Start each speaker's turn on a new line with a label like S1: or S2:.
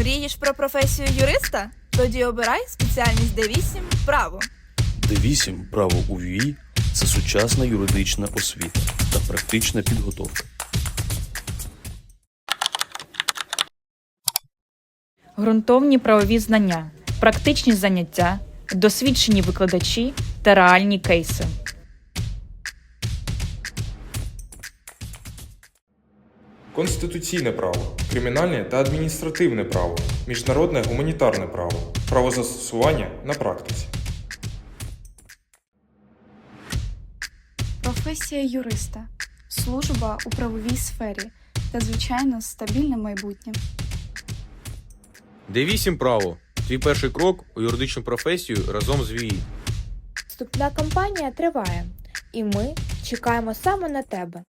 S1: Мрієш про професію юриста? Тоді обирай спеціальність Д8 «Право».
S2: Д8 «Право у ВІ» – це сучасна юридична освіта та практична підготовка.
S3: Ґрунтовні правові знання, практичні заняття, досвідчені викладачі та реальні кейси.
S4: Конституційне право, кримінальне та адміністративне право, міжнародне гуманітарне право, правозастосування на практиці.
S5: Професія юриста, служба у правовій сфері та, звичайно, стабільне майбутнє.
S6: Д8 «Право» – твій перший крок у юридичну професію разом з ВІІ.
S7: Вступна кампанія триває, і ми чекаємо саме на тебе.